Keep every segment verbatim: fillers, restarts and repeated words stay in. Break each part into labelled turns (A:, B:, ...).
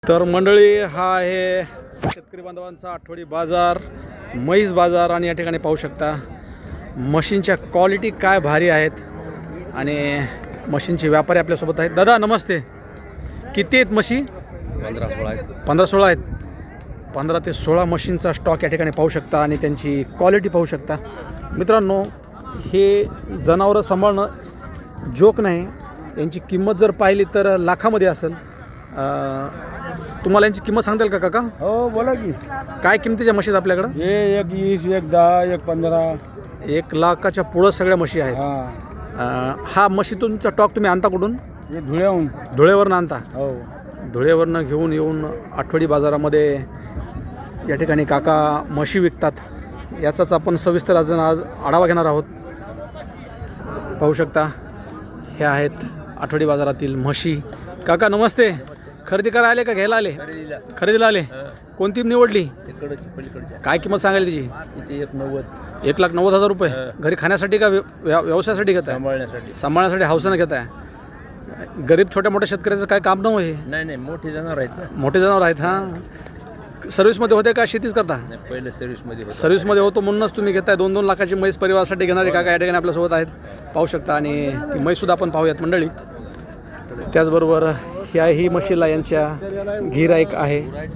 A: तर मंडळी, हा आहे शेतकरी बांधवांचा आठवडी बाजार, म्हैस बाजार. आणि या ठिकाणी पाहू शकता मशीनच्या क्वालिटी काय भारी आहेत आणि मशीनचे व्यापारी आपल्यासोबत आहेत. दादा नमस्ते. किती आहेत म्हशी?
B: पंधरा सोळा आहेत.
A: पंधरा सोळा आहेत. पंधरा ते सोळा मशीनचा स्टॉक या ठिकाणी पाहू शकता आणि त्यांची क्वालिटी पाहू शकता. मित्रांनो, हे जनावरं सांभाळणं जोक नाही. यांची किंमत जर पाहिली तर लाखामध्ये असेल. तुम्हाला यांची किंमत सांगताल का काका?
C: हो बोला की.
A: काय किमतीच्या म्हशी आहेत आपल्याकडं?
C: हे एक वीस, एक दहा, एक पंधरा.
A: एक लाखाच्या पुढं सगळ्या म्हशी आहेत.
C: हा,
A: अं, हा म्हशी तुमचा स्टॉक तुम्ही आणता कुठून?
C: हे धुळ्याहून.
A: धुळेवरनं आणता?
C: हो.
A: धुळेवरनं घेऊन येऊन आठवडी बाजारामध्ये या ठिकाणी काका म्हशी विकतात. याचाच आपण सविस्तर अजून आज आढावा घेणार आहोत. पाहू शकता हे आहेत आठवडी बाजारातील म्हशी. काका नमस्ते. खरेदी करायला आले का घ्यायला आले? खरेदीला आले. कोणती निवडली? काय किंमत सांगायला तिची?
C: एक नव्वद.
A: एक लाख नव्वद हजार रुपये. घरी खाण्यासाठी का व्य- व्यवसायासाठी घेताय?
C: सांभाळण्यासाठी.
A: सांभाळण्यासाठी हौसानं घेताय. गरीब छोट्या मोठ्या शेतकऱ्याचं काय काम नव्हे हे.
C: नाही नाही, मोठे जनावर आहेत.
A: मोठे जनावर आहेत. हां, सर्व्हिसमध्ये होते का शेतीच करता?
C: पहिले सर्व्हिसमध्ये होतं.
A: सर्व्हिसमध्ये होतो म्हणूनच तुम्ही घेताय. दोन दोन लाखाची म्हैस परिवारासाठी घेणारे काका या ठिकाणी आपल्यासोबत आहेत. पाहू शकता. आणि ती म्हैससुद्धा आपण पाहूयात मंडळी. त्याचबरोबर ह्या ही म्हशीला यांच्या गिराईक आहे.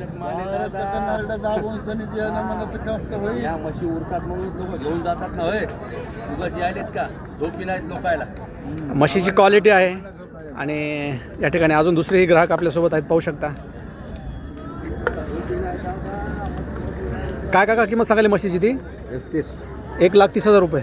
B: या म्हशी उरतात म्हणून लोक घेऊन जातात ना. होय, उगाच यायलेत का? झोपी नाहीत लोकायला.
A: म्हशीची क्वालिटी आहे. आणि या ठिकाणी अजून दुसरेही ग्राहक आपल्यासोबत आहेत. पाहू शकता. काय काका किंमत सांगायली म्हशीची ती?
C: एकतीस.
A: एक लाख तीस हजार रुपये.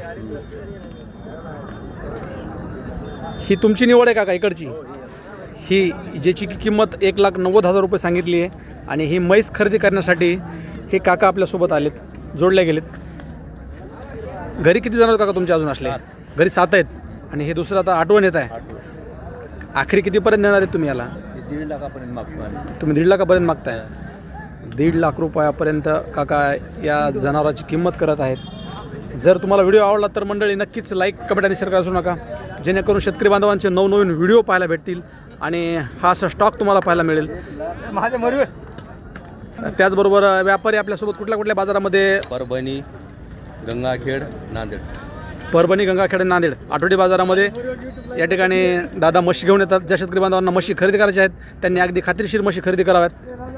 A: ही तुमची निवड आहे काका इकडची? ही ज्याची की किंमत एक लाख नव्वद हजार रुपये सांगितली आहे. आणि ही म्हैस खरेदी करण्यासाठी हे काका आपल्यासोबत आलेत, जोडले गेलेत. घरी किती जण काका तुमचे अजून असले? घरी सात आहेत. आणि हे दुसरं आता आठवण येत आहे. आखरी कितीपर्यंत देणार आहेत तुम्ही याला?
C: दीड लाखापर्यंत मागतो आम्ही.
A: तुम्ही दीड लाखापर्यंत मागताय? दीड लाख रुपयापर्यंत काका या जनावराची किंमत करत आहेत. जर तुम्हाला व्हिडिओ आवडला तर मंडळी नक्कीच लाईक, कमेंट आणि शेअर करायला विसरू नका, जेणेकरून शेतकरी बांधवांचे नवनवीन व्हिडिओ पाहायला भेटतील आणि हा असा स्टॉक तुम्हाला पाहायला मिळेल. त्याचबरोबर व्यापारी आपल्यासोबत कुठल्या कुठल्या बाजारामध्ये?
B: परभणी, गंगाखेड, नांदेड.
A: परभणी, गंगाखेड, नांदेड आठवडी बाजारामध्ये या ठिकाणी दादा म्हशी घेऊन येतात. ज्या शेतकरी बांधवांना म्हशी खरेदी करायच्या आहेत त्यांनी अगदी खात्रीशीर म्हशी खरेदी कराव्यात.